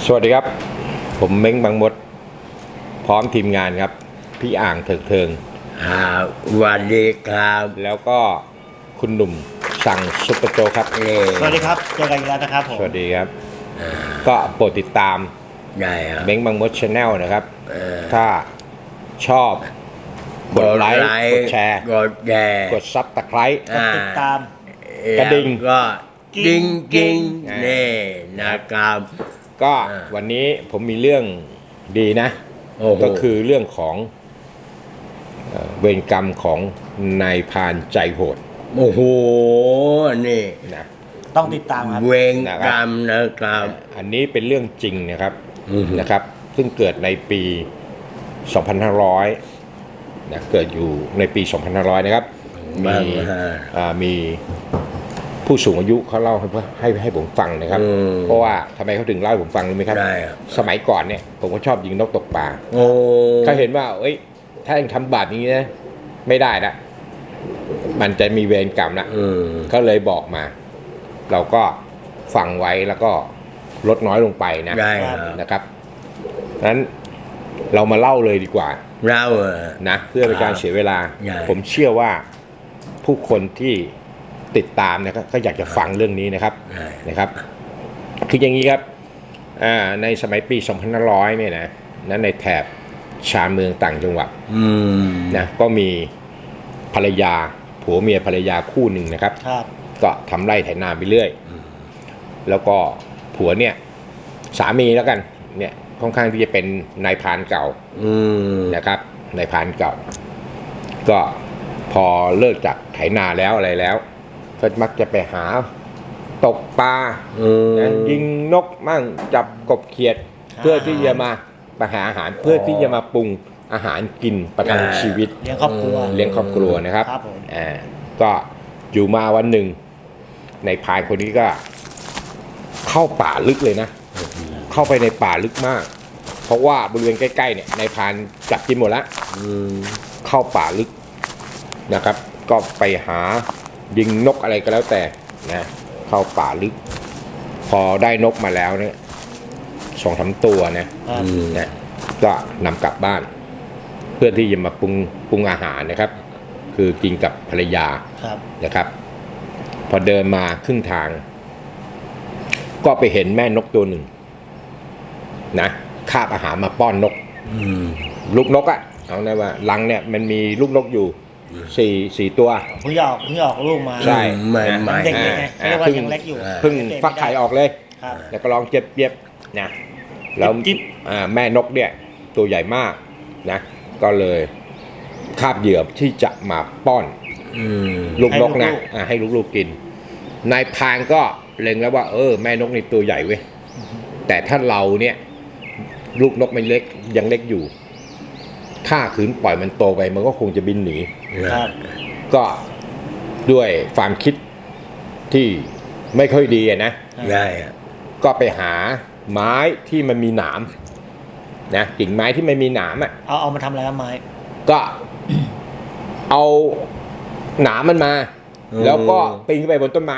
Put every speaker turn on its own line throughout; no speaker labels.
สวัสดีครับผมเม้งบางมดพร้อมทีมงานครับพี่อ่างเถิงเทิง
สวัสดีครับ
แล้วก็คุณหนุ่มสั่งซุปเปอร์โจกครับ
สวัสดีครับเจอกันอีกแล้วนะครับผม
สวัสดีครับก็โปรดติดตาม
ได้ครับ
เม้งบางมดชาแนลนะครับถ้าชอบกดไลค์กดแชร์กดซับตะไคร้
กดติดตาม
กระดิ่ง
ก็กิ้งนี่นะครับ
ก็วันนี้ผมมีเรื่องดีนะก็คือเรื่องของเวรกรรมของนายพรานใจโหด
โอ้โหนี่
นะ
ต้องติดตามครับ
เวรกรรมนะครับ
อันนี้เป็นเรื่องจริงนะครับซึ่งเกิดในปี 2500นะเกิดอยู่ในปี 2500นะครับมีผู้สูงอายุเขาเล่าให้ผมฟังนะครับเพราะว่าทำไมเขาถึงเล่าให้ผมฟังรู้ไหมครับสมัยก่อนเนี่ยผมก็ชอบยิงนกตกปลาเขาเห็นว่าเอ้ยถ้ายังทำบาปนี้นะไม่ได้ละมันจะมีเวรกรรมละเขาเลยบอกมาเราก็ฟังไว้แล้วก็ลดน้อยลงไปนะครับนั้นเรามาเล่าเลยดีกว่า
เล่า
นะเพื่อเป็นการเสียเวลาผมเชื่อว่าผู้คนที่ติดตามนะครับก็อยากจะฟังเรื่องนี้นะครับคืออย่างนี้ครับในสมัยปี 2500เนี่ยนะนั้นในแถบชานเมืองต่างจังหวัดนะก็มีภรรยาผัวเมียภรรยาคู่หนึ่งนะครับก็ทำไร่ไถนาไปเรื่อยแล้วก็ผัวเนี่ยสามีแล้วกันเนี่ยค่อนข้างที่จะเป็นนายพรานเก่านะครับนายพรานเก่าก็พอเลิกจากไถนาแล้วอะไรแล้วก็มักจะไปหาตกปลายิงนกมั่งจับกบเขียดเพื่อที่จะมาหาอาหารเพื่อที่จะมาปรุงอาหารกินประทังชีวิต
เลี้ยงครอบค
รัวนะครับก็อยู่มาวันหนึ่งในพรานคนนี้ก็เข้าป่าลึกเลยนะเข้าไปในป่าลึกมากเพราะว่าบริเวณใกล้ๆเนี่ยในพรานจับกินหมดแล้วเข้าป่าลึกนะครับก็ไปหายิงนกอะไรก็แล้วแต่นะเข้าป่าลึกพอได้นกมาแล้วเนี่ย2-3 ตัวนะก็นำกลับบ้านเพื่อที่จะมาปรุงอาหารนะครับคือกินกับภรรยานะครับพอเดินมาครึ่งทางก็ไปเห็นแม่นกตัวหนึ่งนะคาบอาหารมาป้อนนกลูกนกเอานะว่ารังเนี่ยมันมีลูกนกอยู่สี่ตัว
เพิ่งออกลูกมา
ใช่
เด็กไงเรียกว่ายังเล็กอยู่
เพิ่งฟักไข่ออกเลยแล้วก็ลองเจ็บนะแล้วแม่นกเนี่ยตัวใหญ่มากนะก็เลยคาบเหยื่อที่จะมาป้อนลูกนกนะให้ลูกๆกินนายพรานก็เล็งแล้วว่าแม่นกนี่ตัวใหญ่เว้ยแต่ถ้าเราเนี่ยลูกนกมันเล็กยังเล็กอยู่ถ้าขืนปล่อยมันโตไปมันก็คงจะบินหนีก็ด้วยความคิดที่ไม่ค่อยดีนะก็ไปหาไม้ที่มันมีหนามนะกิ่งไม้ที่มันมีหนาม
เอามาทำอะไรครับไม้
ก็เอาหนามมันมาแล้วก็ปีนขึ้นไปบนต้นไม้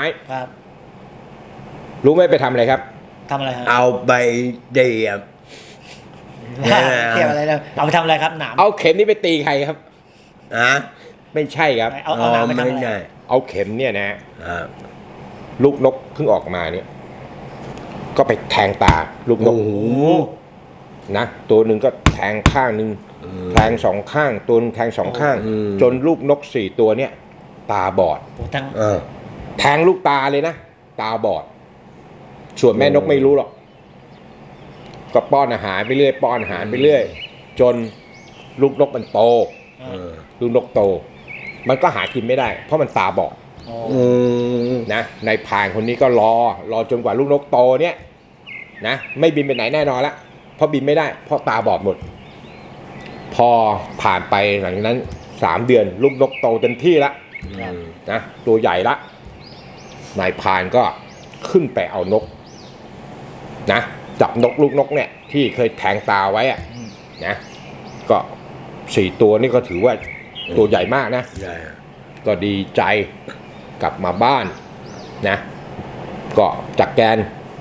รู้ไหมไปทำอะไรครับ
ทำอะไรครับ
เอาไปเดียบ
เกี่ยวอะไรนะเอาไปทำอะไรครับหนาม
เอาเข็มนี้ไปตีใครครับไม่ใช่ครับ
เอาหนามไปทำอะไร
เอาเข็มเนี่ยนะลูกนกเพิ่งออกมาเนี่ยก็ไปแทงตาลูกนกนะตัวหนึ่งก็แทงข้างหนึ่งแทง2 ข้างตัวนึงแทง2 ข้างจนลูกนก4 ตัวเนี่ยตาบอดแทงลูกตาเลยนะตาบอดส่วนแม่นกไม่รู้หรอกก็ป้อนอาหารไปเรื่อยจนลูกนกมันโตลูกนกโตมันก็หากินไม่ได้เพราะมันตาบอดนะนายพรานคนนี้ก็รอจนกว่าลูกนกโตเนี่ยนะไม่บินไปไหนแน่นอนละเพราะบินไม่ได้เพราะตาบอดหมดพอผ่านไปหลังจากนั้น3 เดือนลูกนกโตเต็มที่ละนะตัวใหญ่ละนายพรานก็ขึ้นไปเอานกนะจับลูกนกเนี่ยที่เคยแทงตาไว้นะก็4 ตัวนี่ก็ถือว่าตัวใหญ่มากนะก็ดีใจกลับมาบ้านนะก็จัดแกน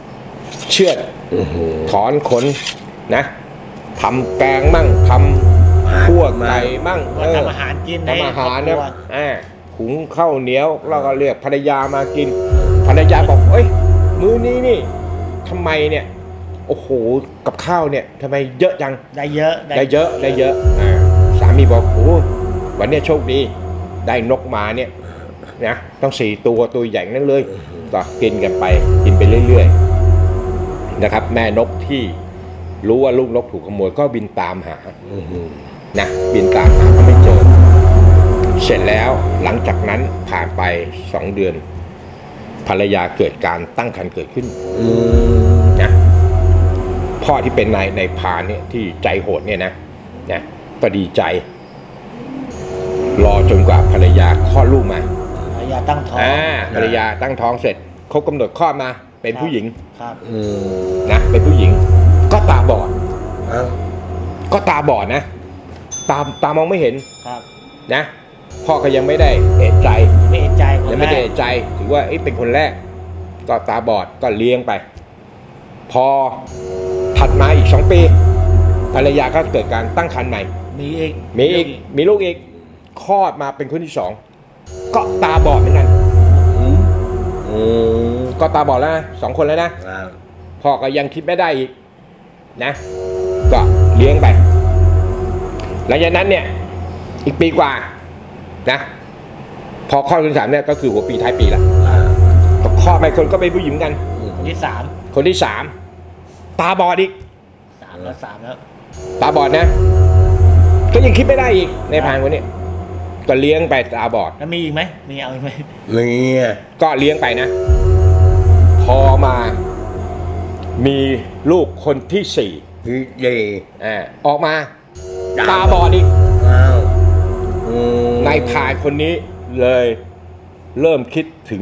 เชือดถอนขนนะทำแกงมั่งทำคั่วไก่มั่ง
ว่าทำอาหารกินใน
ทำอาหาร
ค
เนี่ย
อบครัว
หุงข้าวเหนียวเราก็เรียกภรรยามากินภรรยาบอกเอ้ยมื้อนี้นี่ทำไมเนี่ยโอ้โหกับข้าวเนี่ยทำไมเยอะจัง
ได้เยอะ
ได้เยอะสามีบอกโอ้วันเนี้ยโชคดีได้นกมาเนี่ยนะต้อง4 ตัวใหญ่นั่นเลยก็กินกันไปกินไปเรื่อยๆนะครับแม่นกที่รู้ว่าลูกนกถูกขโมยก็บินตามหานะบินตามหาก็ไม่เจอเสร็จแล้วหลังจากนั้นผ่านไป2 เดือนภรรยาเกิดการตั้งครรภ์เกิดขึ้นนะพ่อที่เป็นนายพรานเนี่ยที่ใจโหดเนี่ยนะก็ดีใจรอจนกว่าภรรยาคลอดลูกมา
ภรรยาตั้งท้อง
ภรรยาตั้งท้องเสร็จเขากำหนดคลอดมาเป็นผู้หญิง
ครับ
นะเป็นผู้หญิงก็ตาบอด
อ้าว
ก็ตาบอดนะตามองไม่เห็น
ครับ
นะพ่อก็ยังไม่ได้เอะใจ
ไม่เอะใจคน
ยัง
แร
ไม่ได้
ก
เอะใจถือว่าเป็นคนแรกก็ตาบอดก็เลี้ยงไป พอถัดมาอีก2 ปีภรรยาก็เกิดการตั้งครรภ์ใหม่
มีอีก
มีลูกอีกคลอดมาเป็นคนที่2ก็ตาบอดเหมือนกันก็ตาบอดแล้วนะ2 คนแล้วนะ
อ้าว
พ่อก็ยังคิดไม่ได้อีกนะก็เลี้ยงไปหลังจากนั้นเนี่ยอีกปีกว่านะพอคลอดคนที่ 3เนี่ยก็คือหัวปีท้ายปีละก็คลอดไปคนก็เป็นผู้หญิงเหมือนกัน
คนที่
คนที่ 3ตาบอดอีก
3แล้ว3แล้ว
ตาบอดนะก็ยังคิดไม่ได้อีกในพรานคนนี้ก็เลี้ยงไปตาบอด
แล้วมีอีกไหมมีเอาอีกไหม
มีอ่ะ
ก็เลี้ยงไปนะ พอมามีลูกคนที่
พี่ดี
4ออกมาตาบอดอีก
อ้าว
นายพรานคนนี้เลยเริ่มคิดถึง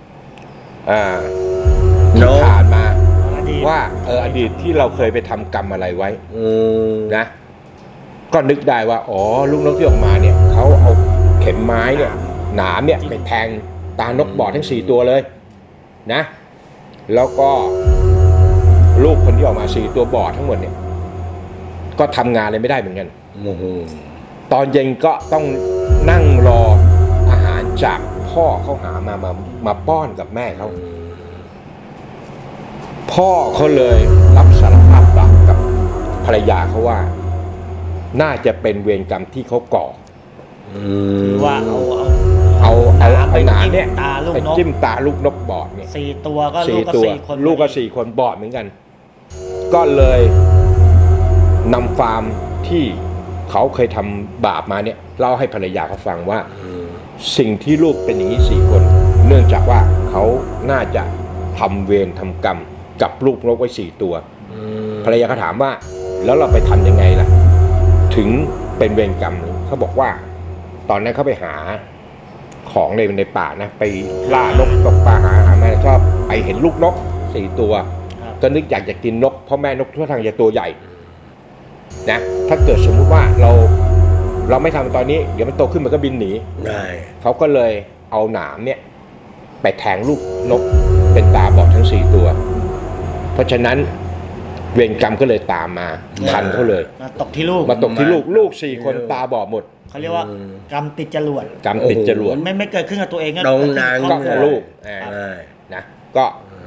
ที่ผ่านมา
อดีต
ว่าอดีตที่เราเคยไปทำกรรมอะไรไว้ นะก็นึกได้ว่าอ๋อลูกนกที่ออกมาเนี่ยเขาเอาเข็มไม้เนี่ยหนามเนี่ยไปแทงตานกบอดทั้ง4 ตัวเลยนะแล้วก็ลูกคนที่ออกมา4 ตัวบอดทั้งหมดเนี่ยก็ทำงานอะไรไม่ได้เหมือนกันตอนเย็นก็ต้องนั่งรออาหารจากพ่อเขาหามาป้อนกับแม่เขาพ่อเขาเลยรับสารภาพบาปกับภรรยาเขาว่าน่าจะเป็นเวรกรรมที่เขาก่อ
คือว่าเอา
เอาหนามเนี่ย
ตาลูก
ไป
นก
จิ้มตาลูกนกบอดเนี่ย
4 ตัวก็ลูกก็
ตัว
4 คน
ลูกก็4 คนบอดเหมือนกัน ก็เลยนำฟาร์มที่เขาเคยทำบาปมาเนี่ยเล่าให้ภรรยาเขาฟังว่าสิ่งที่ลูกเป็นอย่างนี้4 คน เนื่องจากว่าเขาน่าจะทำเวรทำกรรมกับลูกนกไว้4 ตัวภรรยาเขาถามว่าแล้วเราไปทำยังไงล่ะถึงเป็นเวรกรรมเขาบอกว่าตอนนั้นเขาไปหาของในป่านะไปล่านกตกปลาหามาก็ไปเห็นลูกนก4 ตัวก็นึกอยากจะกินนกเพราะแม่นกทั่วทางจะตัวใหญ่นะถ้าเกิดสมมุติว่าเราไม่ทำตอนนี้เดี๋ยวมันโตขึ้นมันก็บินหนี
ได้
เขาก็เลยเอาหนามเนี่ยไปแทงลูกนกเป็นตาบอดทั้ง4 ตัวเพราะฉะนั้นเวรกรรมก็เลยตามมาทันเขาเลย
มาตกที่ลูก
มาตกที่ลูก4 คนตาบอดหมด
เขาเรียกว่ากรรมติดจรวด
กรรมติดจรวด
ไม่เกิดขึ้นกับตัวเองก็
ตรงนาง
ก็
เกิดขึ้นบครอบครัว
ลูกนะก็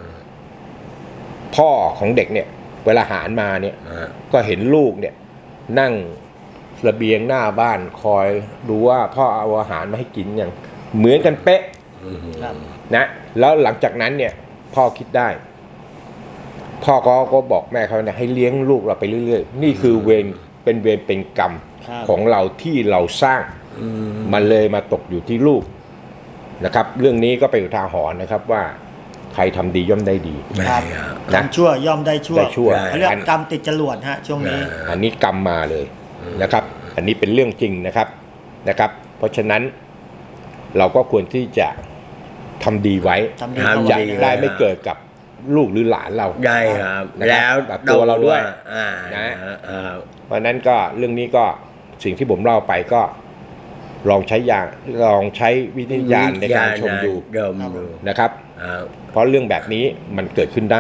พ่อของเด็กเนี่ยเวลาหารมาเนี่ยก็เห็นลูกเนี่ยนั่งระเบียงหน้าบ้านคอยดูว่าพ่อเอาอาหารมาให้กินอย่างเหมือนกันเป๊ะ
ครับ
นะแล้วหลังจากนั้นเนี่ยพ่อคิดได้ พ่อก็บอกแม่เขาเนี่ยให้เลี้ยงลูกเราไปเรื่อยๆนี่คือเวรเป็นกรรม
ครับ
ของเราที่เราสร้างมันเลยมาตกอยู่ที่ลูกนะครับ เรื่องนี้ก็เป็นอุทาหรณ์นะครับว่าใครทำดีย่อมได้ดี
ครับ
นะ
ทำชั่วย่อมได้ชั่ว
ได้ชั่ว
เขาเรียกกรรมติดจรวดฮะช่วงนี้
อันนี้กรรมมาเลยนะครับ อันนี้เป็นเรื่องจริงนะครับ เพราะฉะนั้นเราก็ควรที่จะทำดีไว้
ทำดี
จะ
เอาไว้
ได้ไม่เกิดกับลูกหรือหลานเรา
ได้ครับ
นะครับ
แล้ว
กับตัวเราด้วย
นะ
เพราะฉะนั้นก็เรื่องนี้ก็สิ่งที่ผมเล่าไปก็ลองใช้วิญญาณในการชมดู
เดิมดู
นะครับ เพราะเรื่องแบบนี้มันเกิดขึ้นได้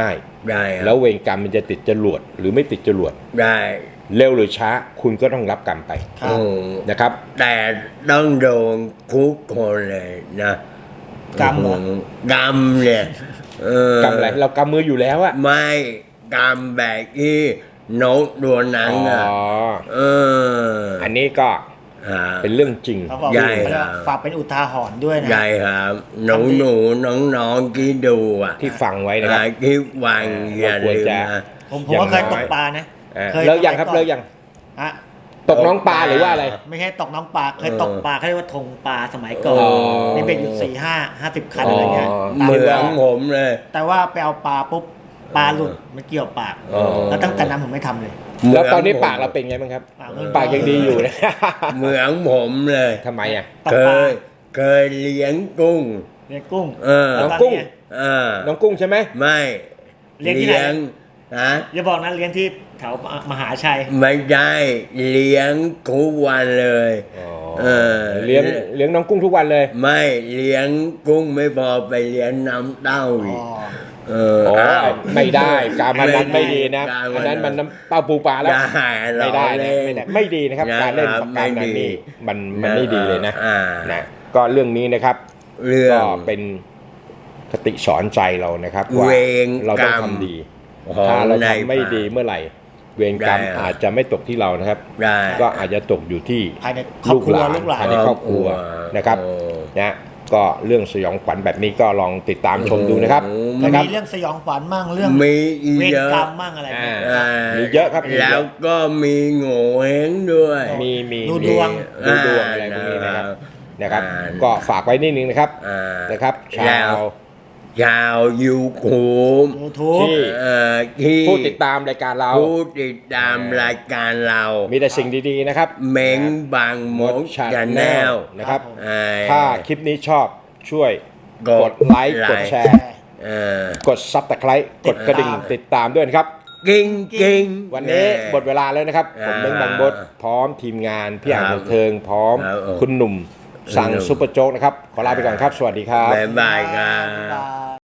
ได้ครับ
แล้วเวรกรรมมันจะติดจรวดหรือไม่ติดจรวด
ได้
เร็วหรือช้าคุณก็ต้องรับกรรมไป
ครับ
โอ้
นะครับ
แต่ต้องโดนคุกคนเลยนะ
กรรมเหรอ
กรรมเนี่ย
กรรมอะไรเรากำมืออยู่แล้วอะ
ไม่กรรมแบบที่นกตัวนั้น
อ๋อ อันนี้ก็
อ่า
เป็นเรื่องจริง
เขาบอก
ใหญ่
ว่าฝากเป็นอุทาหรณ์ด้วยนะ
ใหญ่ครับหนูน้องๆที่ดูอ่ะ
ที่ฟังไว้นะครับ
ที่ฟังอย่า
เราควร
ลืม
จะ
นะ
ผมก็เคยตกปลานะ เคย
เลิกยังครับ
สมั
เลิ
ก่
ก
อน
ยัง
ฮะ
ตกน้องปลาหรือว่าอะไร
ไม่ใช่ตกน้องปลาเคยตกปลาเขาเรียกว่าธงปลาสมัยก่อน
อ๋อ
ในเบ็ดอยู่50 คันอะไรเงี้ย
อ๋อ
ปลา
เหมื
เรือ
อนผมเลย
แต่ว่าไปเอาปลาปุ๊บปลาหลุดมันเกี่ยวปาก
อ๋อ
แล้วตั้งแต่นั้นผมไม่ทำเลย
แล้วตอนนี้ปากเราเป็นไงบ้างครับ ปากยังดีอยู่นะ
เหมือนผมเลย
ทำไมอ่ะ
ตก
เค
ปลาย
เคยเลี้ยงกุ้ง
เลี้ยงกุ้ง
น้อง
แล้วต
กุ้ง
เนี้ย
น้องกุ้งใช่ไหม
ไม่
เลี้ยงที่ไหน
ฮะ
อย่าบอกนะเลี้ยงที่แถวมหาชัย
ไม่ได้เลี้ยงทุกวันเลย
เลี้ยงน้องกุ้งทุกวันเลย
ไม่เลี้ยงกุ้งไม่พอไปเลี้ยงน้ำเต้าอีก
อ๋อ
อ้าว
ไม่ได้การพนันไม่ดีนะ
การพนัน
อันนั้นมันน้ำเต้าปูปลาแล้ว ไม่ได้นะ
เรา
ไม่ได้ไม่ดีนะครับ
นะครับ
การเล่นปากการนันนี่มันไม่ดีเลยนะ
อ่า
นะก็เรื่องนี้นะครับ
เรื่อ
ก็
ง
เป็นคติสอนใจเรานะครับว่า
เวร
เราต้อง
กรรม
ทำดี
ของ
ถ้าเรา
ใน
ทำไม่ดีเมื่อไหร่ เวรกรรม
ได้ครับ
อาจจะไม่ตกที่เรานะครับ
ได้
ก็อาจจะตกอยู่ที่
ภายในครอบครัวลูกหลาน
ภายในครอบครัวนะครับ
โอ้
นะก็เรื่องสยองขวัญแบบนี้ก็ลองติดตามชมดูนะครับ
ก็
นะครับ
มีเรื่องสยองขวัญมั่งเรื่อง
มีอี
เวร
เยอะ
กรรมมั่งอะไรเงี้ย
อ่า มีเยอะครับมีเยอะ
แล้วก็มีโง่เฮงด้วย
มี
ดูดวง
ดูดวงอะไรพวกนี้นะครับ ก็ฝากไว้นิดนึงนะครับ
อ่า
นะครับชา
แล้ว ชาวยูทูบ
YouTube
ที่
ที่
ผู้ติดตามรายการเรา
ผู้ติดตามรายการเรา
มีแต่สิ่งดีๆนะครับ
เม้งบางมด
ชา
ชา
แน
แน
ล
ล
นะครับ
อ่า
ถ้าคลิปนี้ชอบช่วย
ก
ก
ด
ดไลค์
ไลค์
กดแชร์ กดซับตะไคร้กดกระดิ่งติดตามด้วยนะครับ
กิ้งกิ้ง
วันนี้หมดเวลาแล้วนะครับ ผมเม้งบางบดพร้อมทีมงานพี่อ่างบันเทิงพร้อม
ครับ
คุณหนุ่มสั่ง
คุณหนุ่ม
ซุปเปอร์โจ๊กนะครับ ขอลาไปก่อนครับ สวัสดีครับ
บ๊ายบายครับ
บ๊ายบาย